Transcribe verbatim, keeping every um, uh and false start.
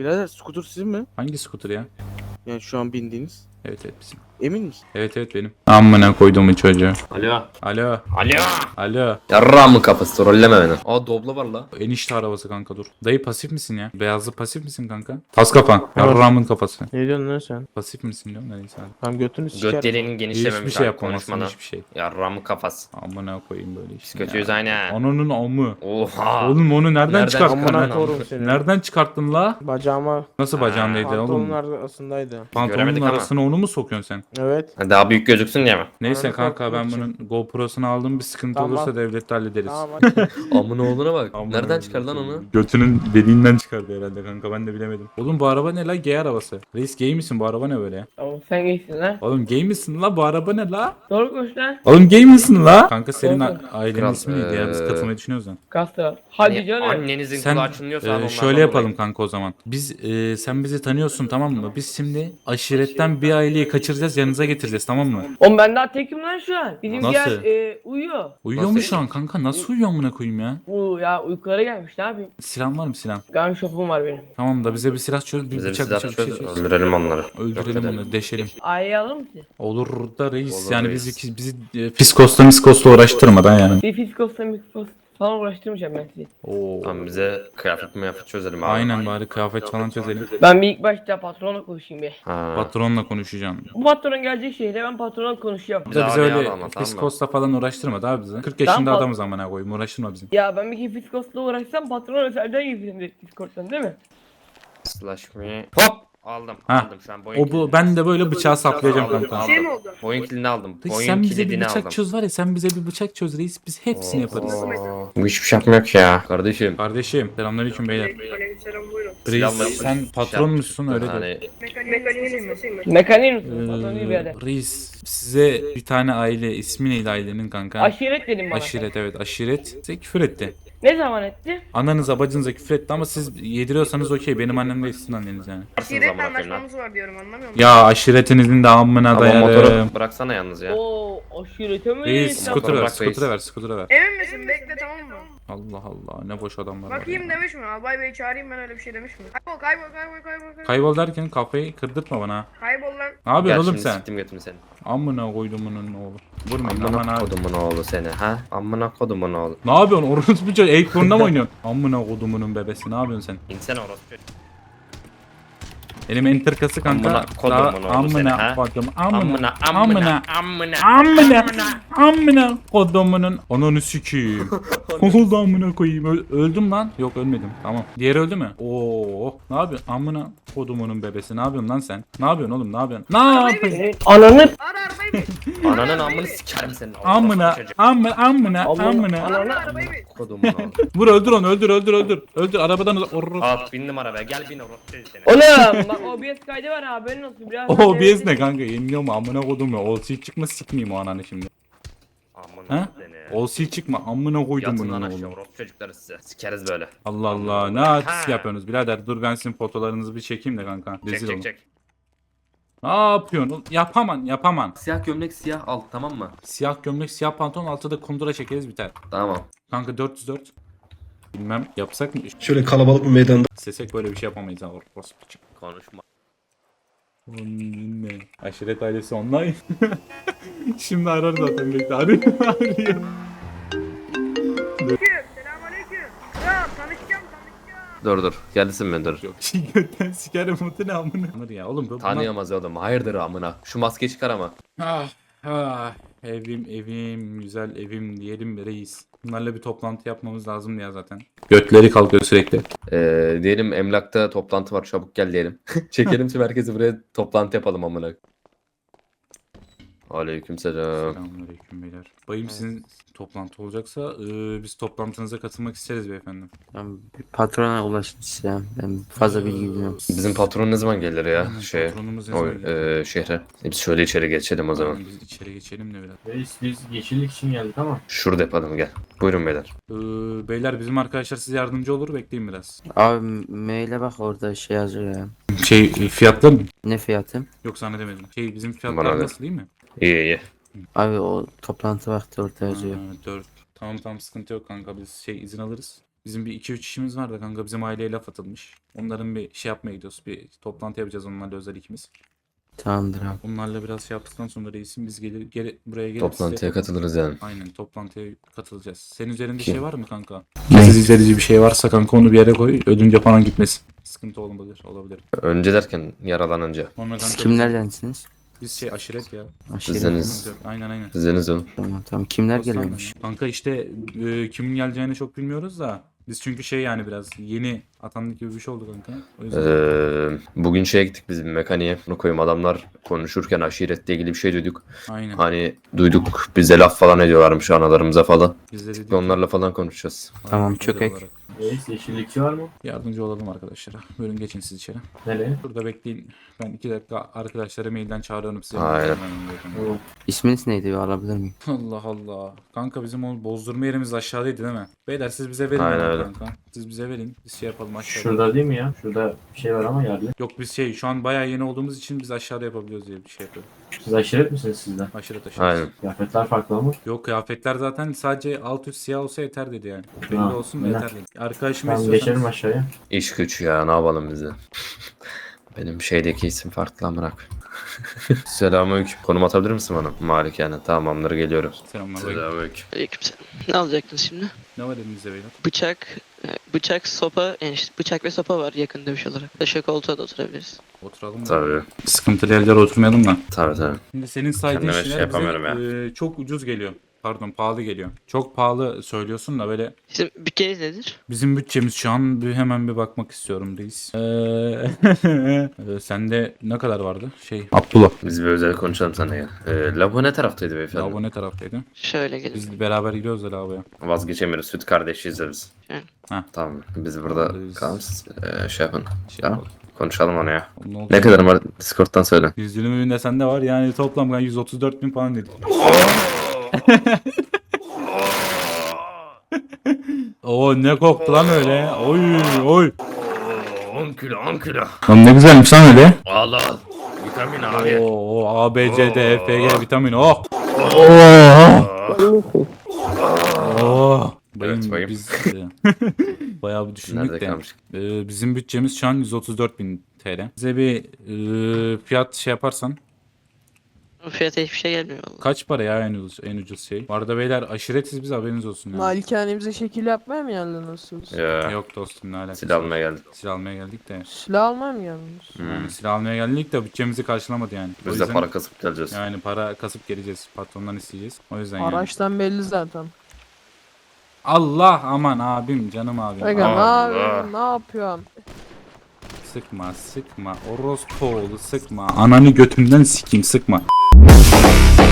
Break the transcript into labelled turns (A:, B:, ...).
A: Birader scooter sizin mi?
B: Hangi scooter ya?
A: Yani şu an bindiğiniz.
B: Evet evet bizim.
A: Emin misin?
B: Evet evet benim. Amına koyduğumu çocuğu.
C: Alo.
B: Alo.
C: Alo.
B: Alo.
C: Yarra mı kafası trolleme beni. Aa doblo var la.
B: Enişte arabası kanka dur. Dayı pasif misin ya? Beyazlı pasif misin kanka? Tas kapan. Yarramın kafası.
A: Ne diyorsun lan sen?
B: Pasif misin diyorum da neyse hadi.
A: Tam götünü sikerim.
C: Göt deliğinin genişlememiş
B: Hiçbir şey
C: abi,
B: yapamazsın
C: konuşmadan.
B: hiçbir şey.
C: Yarra mı kafası.
B: Amına koyayım böyle işte.
C: Biz kötüyüz aynen.
B: Ananın amı.
C: Oha.
B: Oğlum onu nereden,
C: Nereden
B: çıkarttın
C: çıkardın
A: Amına
B: lan?
C: lan?
A: korum seni.
B: Nereden çıkarttın la?
A: Bacağıma
B: Nasıl bacağındaydı
A: pantolonun
B: oğlum?
A: arasındaydı.
B: Pantolonun
C: Göremedik ama.
B: arasına onu mu sokuyorsun sen?
A: Evet.
C: Ha, daha büyük gözüksün diye mi?
B: Neyse
A: Ananı
B: kanka ben
A: korkutmak
B: bunun GoPro'sunu aldım, bir sıkıntı
A: Tamam.
B: olursa devlette hallederiz.
A: Tamam hadi.
C: Amına oğluna bak.
B: Amına
C: Nereden çıkardın lan onu?
B: Götünün deliğinden çıkardı herhalde kanka, ben de bilemedim. Oğlum bu araba ne la, gay arabası. Reis gay misin, bu araba ne böyle ya?
D: Tamam sen geçsin lan.
B: Oğlum gay misin la, bu araba ne la?
D: Doğru konuş lan.
B: Oğlum gay misin la? Kanka senin
D: Olsun.
B: a- ailenin
C: Kral,
B: ismi neydi ya, biz
C: eee,
B: katılmayı düşünüyoruz lan.
D: Kastı. Hadi
C: Hani
D: canım.
C: annenizin
B: Sen
C: kulağı çınlıyorsa
B: e,
C: onlardan
B: şöyle yapalım
C: dolayı.
B: kanka o zaman. Biz e, sen bizi tanıyorsun tamam mı? Biz şimdi aşiretten bir aileyi kaçıracağız, yanınıza getireceğiz tamam mı?
D: Oğlum ben daha tekim lan şu an. Bizim
B: Nasıl?
D: diğer e, uyuyor.
B: Uyuyor mu şu an kanka? Nasıl uyuyor amına koyayım ya?
D: Bu ya uykulara gelmiş ne yapayım?
B: Silah var mı silah?
D: Gun shop'um var benim.
B: Tamam da bize bir silah çöz, bir
C: Bize bir
B: bıçak
C: silah
B: bıçak bir şey
C: çöz,
B: çöz.
C: öldürelim onları.
B: Öldürelim
C: Yok
B: onu, deşelim.
D: Aileyi alır mısın?
B: Olur da reis
C: Olur
B: yani
C: reis.
B: bizi bizi e, fiskosla miskosla uğraştırmadan yani.
D: Bir fiskosla miskos falan uğraştırmayacağım ben sizi.
B: Oo.
C: Tamam bize kıyafet miyafet çözelim abi.
B: Aynen, bari kıyafet falan çözelim.
D: Ben bir ilk başta patronla konuşayım bir.
C: Ha.
B: Patronla konuşacağım.
D: Bu patron gelecek şehre ben patronla konuşacağım.
B: Bize, bize
C: Abi
B: öyle
C: ama, tamam mı?
B: fiskosla falan uğraştırma daha bizi. kırk yaşında
D: Tamam,
B: adamız amına koyayım, uğraştırma bizi.
D: Ya ben bir kere fiskosla uğraşsam patron özelden girdim direkt Discord'dan değil mi?
C: Slash me. Hop. Aldım.
B: Ha.
C: Aldım şu an boyun
B: O bu
C: kilidini.
B: ben de böyle bıçağı saplayacağım
C: Aldım,
B: kanka.
C: aldım. Boyun kilidini aldım.
B: Reis,
C: Boyun
B: sen bize bir
C: kilidini
B: bıçak
C: aldım.
B: çöz var ya, sen bize bir bıçak çöz reis, biz hepsini yaparız.
C: Oo. Bu hiçbir şey yapmıyor ki ya. Kardeşim.
B: Kardeşim selamünaleyküm beyler.
E: Aleykümselam buyurun.
B: Reis
C: Silahla-
B: sen patron musun öyle de.
C: Hani
E: Mekaniğin ismi mi?
D: Mekanik misin? Patron değil bir
B: Ee,
D: yerde.
B: reis size bir tane aile, ismi neydi ailenin kanka?
D: Aşiret dedim bana.
B: Aşiret, evet aşiret. Size küfür etti.
D: Ne zaman etti?
B: Ananıza bacınıza küfür etti ama siz yediriyorsanız okey, benim annem de sizin anneniz yani.
E: Aşiret
C: amına koyayım lan.
E: anlaşmamız var diyorum anlamıyor musun?
B: Ya aşiretinizin de amına
C: Ama
B: dayarım.
C: motoru bıraksana yalnız ya.
D: Oo aşirete mi?
B: Reis
D: Sen-
B: skuter ver,
C: bırak
B: skuter
C: reis.
B: ver, skuter ver.
E: Emin misin? Bekle tamam mı?
B: Allah Allah, ne boş adamlar var.
E: Bakayım
B: ya.
E: demiş mi? Albay Bey çağırayım ben öyle bir şey demiş mi? Kaybol kaybol kaybol kaybol kaybol.
B: Kaybol derken kafayı kırdırtma bana. ha.
E: Kaybol lan.
B: Ne yapıyorsun
C: Gel
B: oğlum
C: şimdi
B: sen?
C: siktim götümü seni.
B: Amına koydumunun oğlu. Vurmayın aman
C: Amına
B: abi.
C: kodumun oğlu seni ha? Amına kodumun oğlu.
B: Ne yapıyorsun? Orospu çocuğu Acorn'da mı oynuyorsun? Amına kodumunun bebesi, ne yapıyorsun sen?
C: İnsene orospu.
B: Elim enterkası kanka.
C: Amına kodumun
B: Daha-
C: oğlu seni,
B: amına
C: ha?
B: kodum.
C: Amına
B: Amına.
C: amına
B: Amına.
C: amına.
B: Amına kodumunun. Ananı sikeyim. Oldu amına koyayım. Öl- öldüm lan. Yok ölmedim. Tamam. Diğeri öldü mü? Oo. Ne yapıyorsun? Amına kodumunun bebesi. Ne yapıyorsun lan sen? Ne yapıyorsun oğlum? Ne yapıyorsun? Ne yapıyorsun?
D: Ananı.
E: Ara arabayı bir.
C: Ananın amını sikerim senin.
B: Amına.
C: Orospu çocuğu.
B: Amına. Amına.
D: Amına.
B: Amına.
E: Ara arabayı bir.
C: Kodumun oğlu.
B: Vur öldür onu. Öldür öldür öldür. Öldür arabadan. Or-
C: Al bindim arabaya gel bin orospu çocuğu seni.
D: Oğlum bak O B S kaydı var haberin olsun biraz.
B: O B S ne kanka? Yeniliyor mu? Amına kodum ya. Olsi çıkma, sikmeyeyim o ananı şimdi.
C: Amına
B: Ha?
C: seni.
B: Olsi çıkma. Amına koydum
C: Yatın
B: bunu
C: lan aşağı
B: oğlum.
C: orospu çocukları size. Sikeriz böyle.
B: Allah Allah. Ne artist yapıyorsunuz birader? Dur ben sizin fotolarınızı bir çekeyim de kanka.
C: Çek
B: Rezil olun.
C: çek çek.
B: Ne yapıyorsun? oğlum? Yapaman, yapaman.
C: Siyah gömlek siyah al tamam mı?
B: Siyah gömlek, siyah pantolon, altta da kundura çekeriz biter.
C: Tamam.
B: Kanka dört yüz dört. Bilmem yapsak mı?
F: Şöyle kalabalık bir meydanda.
B: İstesek böyle bir şey yapamayız ha. Orospu çık.
C: Konuşma.
B: Ne? Aşiret ailesi online. Şimdi arar zaten bekle. Arıyor. Arıyor.
E: Selamünaleyküm. Kral tanışacağım tanışacağım.
C: Dur dur. Gelsin mi dur.
B: Yok. Şey götten sikerim mutu ne amına. Amır ya oğlum. bu-
C: Tanıyamaz oğlum. Hayırdır amına. Şu maskeyi çıkar ama.
B: Ah, ah, evim evim güzel evim diyelim bir reis. Bunlarla bir toplantı yapmamız lazım ya zaten. Götleri kalkıyor sürekli.
C: Ee, diyelim emlakta toplantı var çabuk gel diyelim. Çekelim tüm herkesi buraya toplantı yapalım amına. Aleykümselam.
B: Selamünaleyküm beyler. Bayım sizin toplantı olacaksa e, biz toplantınıza katılmak isteriz beyefendi.
G: Ben bir patrona ulaştım size. Ben fazla bilgi bilmiyorum.
C: Bizim patron ne zaman gelir ya?
B: Aynen,
C: Şey,
B: patronumuz ne
C: o,
B: zaman gelir?
C: e, şehre. E, Biz şöyle içeri geçelim o zaman.
B: Biz içeri geçelim de biraz.
H: Reis biz yeşillik için geldik ama.
C: Şurada yapalım gel. Buyurun beyler.
B: Ee, beyler bizim arkadaşlar size yardımcı olur, bekleyin biraz.
G: Abi maile bak orada şey yazıyor ya.
B: Şey fiyatlar mı?
G: Ne fiyatı?
B: Yok sana demedim. Şey bizim
C: Bana
B: fiyatlar
C: ver.
B: nasıl değil mi?
C: İyi iyi.
G: Abi o toplantı vakti orada yazıyor.
B: Ha, dört. Tamam tamam sıkıntı yok kanka, biz şey izin alırız. Bizim bir iki üç işimiz var da kanka, bizim aileye laf atılmış. Onların bir şey yapmaya gidiyoruz. Bir toplantı yapacağız onlarla özel ikimiz.
G: Tamamdır abi.
B: Onlarla biraz şey yaptıktan sonra reisim biz gelir geri, buraya gelip
C: Toplantıya
B: size-
C: katılırız yani.
B: Aynen, toplantıya katılacağız. Senin üzerinde
C: Kim?
B: şey var mı kanka? Siz izlediği bir şey varsa kanka onu bir yere koy. Ödünce falan gitmesin. Sıkıntı olabilir. Olabilir.
C: Önce derken yaralanınca.
B: Sonra
G: Siz
B: kanka
G: kimlerdensiniz?
B: Biz şey aşiret ya.
G: Aşiret.
C: Siziniz.
B: Aynen aynen.
C: Siziniz oğlum.
G: Tamam tamam. Kimler
B: Dostlar
G: geliyormuş?
B: mı? Kanka işte e, kimin geleceğini çok bilmiyoruz da. Biz çünkü şey yani biraz yeni atandık gibi bir şey oldu kanka. O yüzden.
C: Ee, bugün şeye gittik biz bir mekaniğe. Bunu koyayım, adamlar konuşurken aşiretle ilgili bir şey duyduk.
B: Aynen.
C: Hani duyduk, bize laf falan ediyorlarmış analarımıza falan.
B: Biz de dedik.
C: Onlarla falan konuşacağız.
G: Tamam,
B: Aynen,
G: çökek.
B: özel olarak
H: Reis yeşillikçi var mı?
B: Yardımcı olalım arkadaşlara. Buyurun geçin siz içeri.
H: Nereye?
B: Burada bekleyin. Ben iki dakika arkadaşlara mailden çağırıyorum size.
C: Aynen.
H: Tamam.
G: İsminiz neydi? Bir alabilir miyim?
B: Allah Allah. Kanka bizim o bozdurma yerimiz aşağıdaydı değil mi? Beyler siz bize verin.
C: Aynen
B: onu
C: öyle.
B: kanka. Siz bize verin. Biz şey yapalım aşağıda.
H: Şurada değil mi ya? Şurada bir şey var ama yerli.
B: Yok biz şey şu an bayağı yeni olduğumuz için biz aşağıda yapabiliyoruz diye bir şey yapıyorum.
H: Siz aşiret misiniz sizden?
B: Aşırı taşıyoruz.
C: Aynen.
H: Kıyafetler farklı ama.
B: Yok kıyafetler zaten sadece alt üst siyah olsa yeter dedi yani. Belli
H: Ha,
B: olsun da
H: öyle.
B: yeter dedi. Arkadaşım
H: Tamam geçelim aşağıya.
C: İş güç ya, ne yapalım biz de. Benim şeydeki isim farklı amırak. Selamünaleyküm. Konum atabilir misin bana? Malikane. Tamamdır, geliyorum.
B: Selamlar.
C: Selamünaleyküm.
F: Aleykümselam. Ne alacaktınız şimdi?
B: Ne var elinizde beyler?
F: Bıçak, e, bıçak, sopa, yani işte bıçak ve sopa var yakın dövüş olarak. Taşa koltuğa da oturabiliriz.
B: Oturalım mı?
C: Tabii.
B: Sıkıntılı yerlere oturmayalım da.
C: Tabii tabii.
B: Şimdi senin saydığın
C: Kendime şey
B: şeyler
C: yapamıyorum
B: bize e, çok ucuz geliyor. Pardon pahalı geliyor. Çok pahalı söylüyorsun da böyle.
F: Sizin bütçeniz nedir?
B: Bizim bütçemiz şu an bir hemen bir bakmak istiyorum reis. Ee, e, sende ne kadar vardı? Şey Abdullah.
C: Biz bir özel konuşalım sana ya. Ee, lavabo ne taraftaydı beyefendi?
B: Lavabo ne taraftaydı?
F: Şöyle gelin.
B: Biz beraber gidiyoruz da lavaboya.
C: Vazgeçemiyoruz. Süt kardeşiyiz de biz.
F: Evet.
B: Ha.
C: Tamam. Biz burada
B: Biz-
C: kalın siz ee, şey yapın.
B: Şey
C: Tamam.
B: yapalım.
C: Konuşalım onu ya.
B: Ne, oldu?
C: Ne kadar var? Discord'dan söyle.
B: yüz yirmi bin de sende var yani toplam ben yüz otuz dört bin falan dedim. Oo ne koktu lan öyle. Oy oy.
C: on kilo on kilo.
B: Lan ne güzelmiş lan öyle.
C: Allah. Vitamin
B: Oo A B C D E F G vitamin oh. Oh. Oh. Bayım,
C: Evet, bayım.
B: biz e, bayağı bir düşündük
C: Nerede
B: de.
C: kalmış?
B: E, bizim bütçemiz şu an yüz otuz dört bin T L. Bize bir e, fiyat şey yaparsan
F: O fiyata hiçbir şey gelmiyor vallahi.
B: kaç para ya en ucuz, en ucuz şey? Bu arada beyler aşiretiz biz haberiniz olsun yani.
E: Malikanemize şekil yapmaya mı geldiniz siz?
C: Ya.
B: Yok dostum ne alakası.
C: Silah almaya geldik.
B: Silah almaya geldik de.
E: Silah almaya mı geldiniz?
B: Yani silah almaya geldik de bütçemizi karşılamadı yani. O
C: Biz de
B: yüzden-
C: para kasıp geleceğiz.
B: Yani para kasıp geleceğiz. Patrondan isteyeceğiz. O yüzden yani.
E: Araçtan belli zaten.
B: Allah aman abim canım abim.
E: Aga ne
C: Allah.
E: yapıyorsun? Ne yapıyorsun?
B: Sıkma sıkma. Orospu oğlu sıkma. Ananı götünden sikeyim sıkma.